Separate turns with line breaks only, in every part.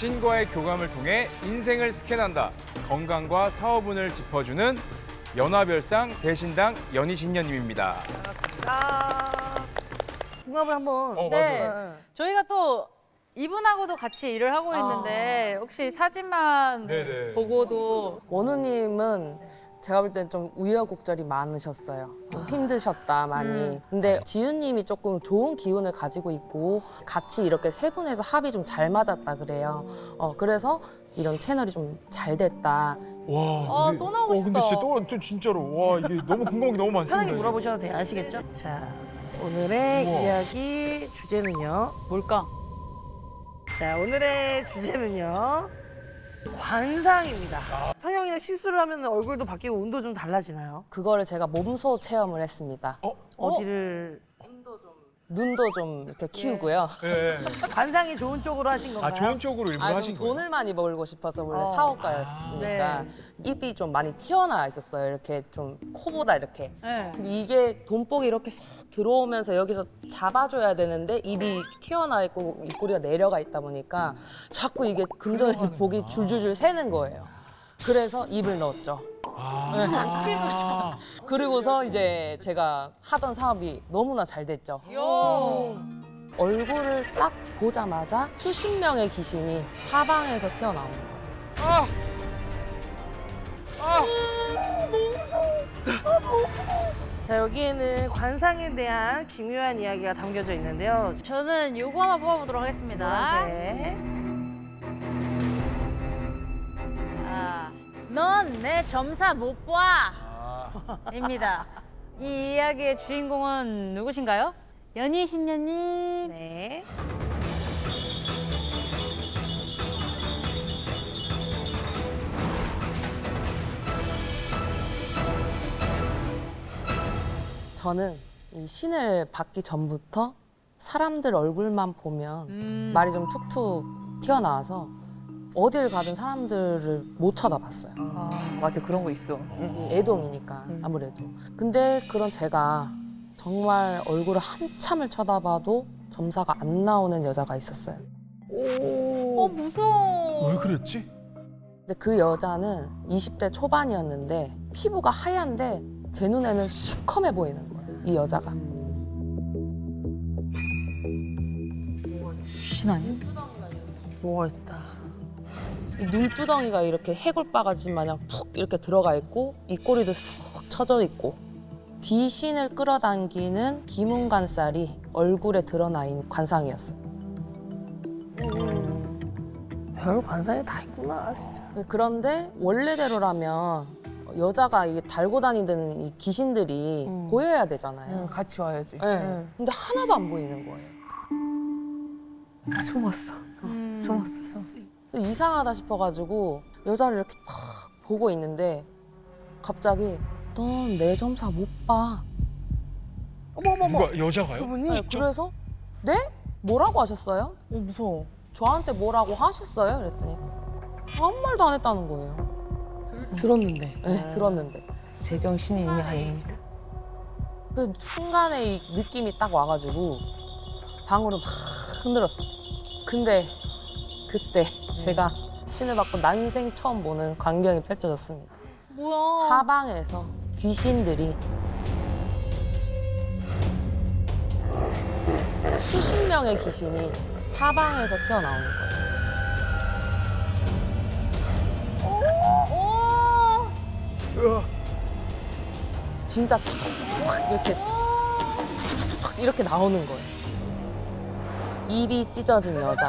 신과의 교감을 통해 인생을 스캔한다. 건강과 사업운을 짚어주는 연화별상 대신당 연희신녀님입니다.
궁합을 한번.
네.
맞아요.
저희가 또 이분하고도 같이 일을 하고 있는데 혹시 사진만
네네.
보고도
원우님은 제가 볼 땐 좀 우여곡절이 많으셨어요. 좀 힘드셨다 많이. 근데 지윤님이 조금 좋은 기운을 가지고 있고 같이 이렇게 세 분에서 합이 좀 잘 맞았다 그래요. 그래서 이런 채널이 좀 잘 됐다.
와,
또 나오고 싶다.
근데 진짜 또 진짜로 와 이게 너무 궁금한 게 너무 많습니다.
편하게 물어보셔도 돼요. 아시겠죠? 자, 오늘의
우와.
이야기 주제는요.
뭘까?
자, 오늘의 주제는요. 관상입니다. 성형이나 시술을 하면 얼굴도 바뀌고 운도 좀 달라지나요?
그거를 제가 몸소 체험을 했습니다.
어디를
눈도 좀 이렇게 키우고요.
예.
관상이 좋은 쪽으로 하신 건가요?
아 좋은 쪽으로 일부러
좀
하신 거예요?
돈을 많이 벌고 싶어서 원래
어.
사업가였으니까
네.
입이 좀 많이 튀어나와 있었어요. 이렇게 좀 코보다 이렇게.
네.
근데 이게 돈복이 이렇게 싹 들어오면서 여기서 잡아줘야 되는데 입이 튀어나와 있고 입꼬리가 내려가 있다 보니까 자꾸 이게 금전의 복이 줄줄줄 새는 거예요. 그래서 입을 넣었죠. 그리고서 이제 제가 하던 사업이 너무나 잘 됐죠.
요.
얼굴을 딱 보자마자 수십 명의 귀신이 사방에서 튀어나오는 거예요.
자, 여기에는 관상에 대한 기묘한 이야기가 담겨져 있는데요.
저는 요거 한번 뽑아보도록 하겠습니다.
노란색.
넌 내 점사 못 봐. 입니다. 이 이야기의 주인공은 누구신가요? 연희신녀님.
네.
저는 이 신을 받기 전부터 사람들 얼굴만 보면 말이 좀 툭툭 튀어나와서 어딜 가든 사람들을 못 쳐다봤어요.
맞아, 그런 거 있어.
이 애동이니까 아무래도. 근데 그런 제가 정말 얼굴을 한참을 쳐다봐도 점사가 안 나오는 여자가 있었어요.
무서워.
왜 그랬지?
근데 그 여자는 20대 초반이었는데 피부가 하얀데 제 눈에는 시커매 보이는 거예요. 이 여자가.
귀신 아니야?
뭐가 있다.
이 눈두덩이가 이렇게 해골바가지 마냥 푹 이렇게 들어가 있고 입꼬리도 쑥 처져 있고 귀신을 끌어당기는 기문관살이 얼굴에 드러나 있는 관상이었어요.
별 관상이 다 있구나, 진짜.
그런데 원래대로라면 여자가 이게 달고 다니던 이 귀신들이 보여야 되잖아요.
같이 와야지.
네. 근데 하나도 안 보이는 거예요.
숨었어. 숨었어.
이상하다 싶어가지고 여자를 이렇게 탁 보고 있는데 갑자기 넌 내 점사 못 봐.
어머머머.
누가 여자가요?
그분이?
네, 그래서 네? 뭐라고 하셨어요?
무서워.
저한테 뭐라고 하셨어요? 그랬더니 아무 말도 안 했다는 거예요.
들었는데.
네, 들었는데.
제정신이 이미 아닙니다.
그 순간에 이 느낌이 딱 와가지고 방울을 막 흔들었어. 근데 그때 제가 신을 받고 난생 처음 보는 광경이 펼쳐졌습니다.
뭐야?
사방에서 귀신들이 수십 명의 귀신이 사방에서 튀어나오는 거예요. 진짜 탁 이렇게 나오는 거예요. 입이 찢어진 여자,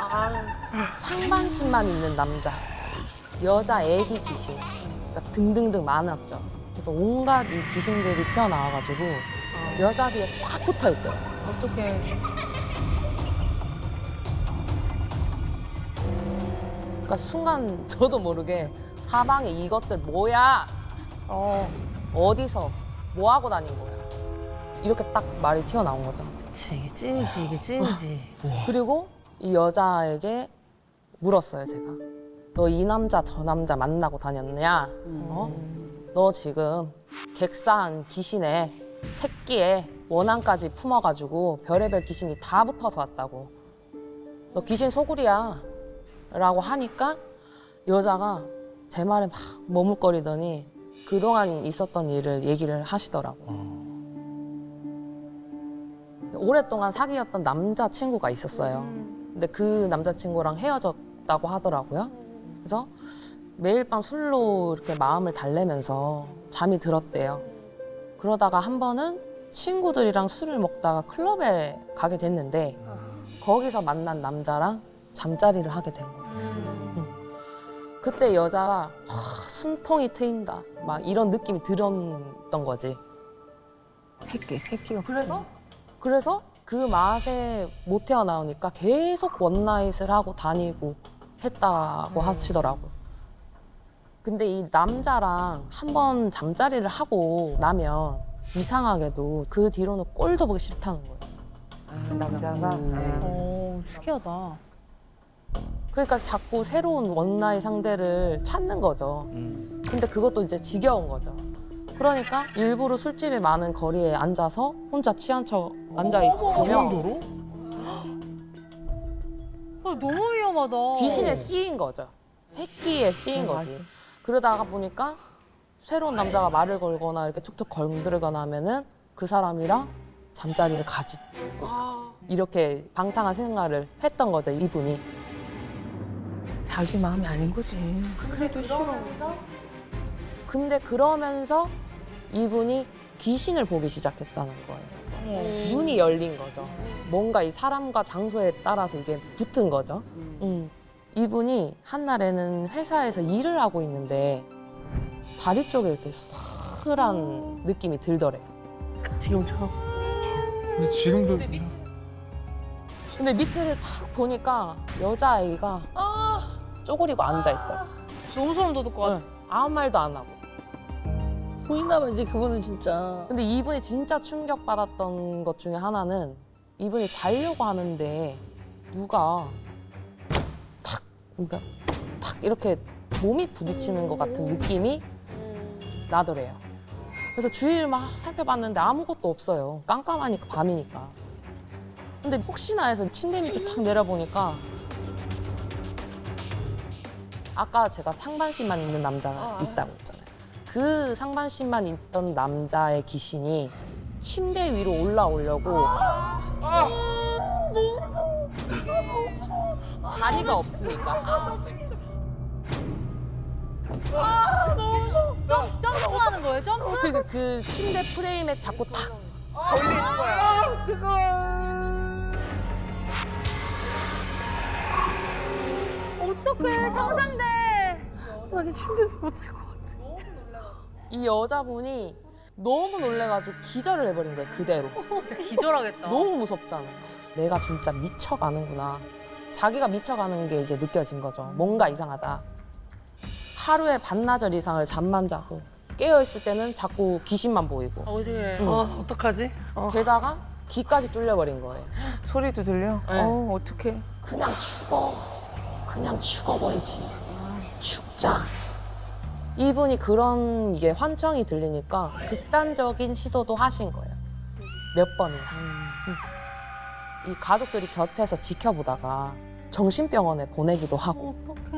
상반신만 있는 남자, 여자 애기 귀신, 그러니까 등등등 많았죠. 그래서 온갖 이 귀신들이 튀어나와가지고 여자 뒤에 딱 붙어 있더라고요.
어떡해.
그러니까 순간 저도 모르게 사방에 이것들 뭐야? 어디서 뭐 하고 다닌 거야? 이렇게 딱 말이 튀어나온 거죠.
그치, 이게 찐이지, 이게 찐이지.
그리고 이 여자에게 물었어요, 제가. 너 이 남자 저 남자 만나고 다녔냐? 너 지금 객사한 귀신의 새끼에 원한까지 품어가지고 별의별 귀신이 다 붙어서 왔다고. 너 귀신 소굴이야. 라고 하니까 여자가 제 말에 막 머뭇거리더니 그동안 있었던 일을 얘기를 하시더라고요. 오랫동안 사귀었던 남자친구가 있었어요. 근데 그 남자친구랑 헤어졌다고 하더라고요. 그래서 매일 밤 술로 이렇게 마음을 달래면서 잠이 들었대요. 그러다가 한 번은 친구들이랑 술을 먹다가 클럽에 가게 됐는데 거기서 만난 남자랑 잠자리를 하게 된 거예요. 그때 여자가 숨통이 트인다 막 이런 느낌이 들었던 거지.
새끼가
그래서 그 맛에 못 태어나오니까 계속 원나잇을 하고 다니고 했다고 하시더라고요. 근데 이 남자랑 한 번 잠자리를 하고 나면 이상하게도 그 뒤로는 꼴도 보기 싫다는 거예요.
남자가
특이하다.
그러니까 자꾸 새로운 원나잇 상대를 찾는 거죠. 근데 그것도 이제 지겨운 거죠. 그러니까 일부러 술집에 많은 거리에 앉아서 혼자 취한 척 앉아
그
있으면
정도로?
너무 위험하다.
귀신에 씌인 거죠. 새끼에 씌인 거지. 그러다가 보니까 새로운 남자가 말을 걸거나 이렇게 툭툭 건드리거나 하면은 그 사람이랑 잠자리를 가지. 이렇게 방탕한 생활을 했던 거죠, 이분이.
자기 마음이 아닌 거지. 그래도 싫어.
근데 그러면서 이분이 귀신을 보기 시작했다는 거예요. 눈이 열린 거죠. 뭔가 이 사람과 장소에 따라서 이게 붙은 거죠. 이분이 한날에는 회사에서 일을 하고 있는데 다리 쪽에 이렇게 서슬한 느낌이 들더래요.
지금처럼.
근데 지금도
근데 밑을 탁 보니까 여자아이가 쪼그리고 앉아있더라.
너무 소름 돋을 것 같아.
아무 말도 안 하고.
보이나 봐, 이제 그분은 진짜.
근데 이분이 진짜 충격받았던 것 중에 하나는 이분이 자려고 하는데 누가 그러니까 탁 이렇게 몸이 부딪히는 것 같은 느낌이 나더래요. 그래서 주위를 막 살펴봤는데 아무것도 없어요. 깜깜하니까 밤이니까. 근데 혹시나 해서 침대 밑에 탁 내려보니까 아까 제가 상반신만 있는 남자가 있다고 했잖아요. 그 상반신만 있던 남자의 귀신이 침대 위로 올라오려고 다리가 없으니까
점프하는 거예요, 점프?
그 침대 프레임에 자꾸 탁
어떡해, 상상돼.
나 지금 침대에서 못할 것 같아.
이 여자분이 너무 놀래가지고 기절을 해버린 거예요, 그대로.
진짜 기절하겠다.
너무 무섭잖아요. 내가 진짜 미쳐가는구나. 자기가 미쳐가는 게 이제 느껴진 거죠. 뭔가 이상하다. 하루에 반나절 이상을 잠만 자고 깨어있을 때는 자꾸 귀신만 보이고
어디에?
어떡하지?
게다가 귀까지 뚫려버린 거예요.
소리도 들려?
네.
어떡해.
그냥 죽어. 그냥 죽어버리지. 죽자. 이분이 그런 이게 환청이 들리니까 극단적인 시도도 하신 거예요. 몇 번이나. 이 가족들이 곁에서 지켜보다가 정신병원에 보내기도 하고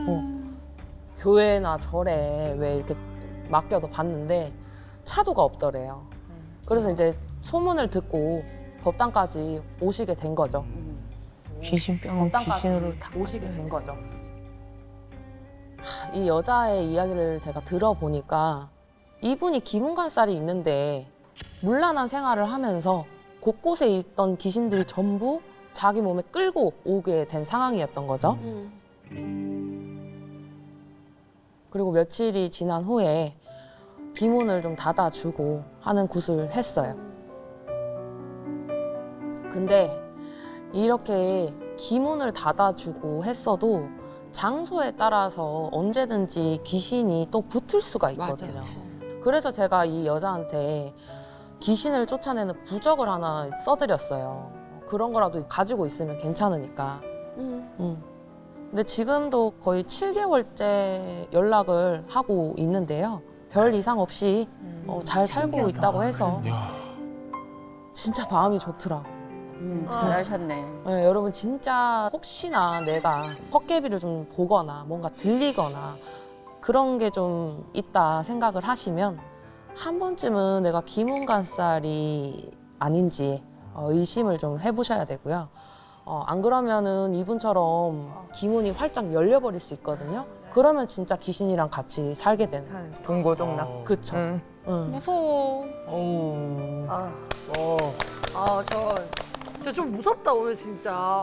교회나 절에 왜 이렇게 맡겨도 봤는데 차도가 없더래요. 그래서 이제 소문을 듣고 법당까지 오시게 된 거죠.
귀신병은
법당까지
귀신으로 다
오시게 된 거죠. 이 여자의 이야기를 제가 들어보니까 이분이 기문관살이 있는데 문란한 생활을 하면서 곳곳에 있던 귀신들이 전부 자기 몸에 끌고 오게 된 상황이었던 거죠. 그리고 며칠이 지난 후에 기문을 좀 닫아주고 하는 굿을 했어요. 근데 이렇게 기문을 닫아주고 했어도 장소에 따라서 언제든지 귀신이 또 붙을 수가 있거든요. 그래서 제가 이 여자한테 귀신을 쫓아내는 부적을 하나 써드렸어요. 그런 거라도 가지고 있으면 괜찮으니까. 근데 지금도 거의 7개월째 연락을 하고 있는데요. 별 이상 없이 잘 살고 있다고 해서
야,
진짜 마음이 좋더라고요.
잘하셨네.
네, 여러분 진짜 혹시나 내가 헛개비를 좀 보거나 뭔가 들리거나 그런 게 좀 있다 생각을 하시면 한 번쯤은 내가 기문간살이 아닌지 의심을 좀 해보셔야 되고요. 안 그러면은 이분처럼 기문이 활짝 열려버릴 수 있거든요. 그러면 진짜 귀신이랑 같이 살게 되는.
동고동락.
그쵸.
응.
응.
무서워.
저 좀 무섭다 오늘 진짜.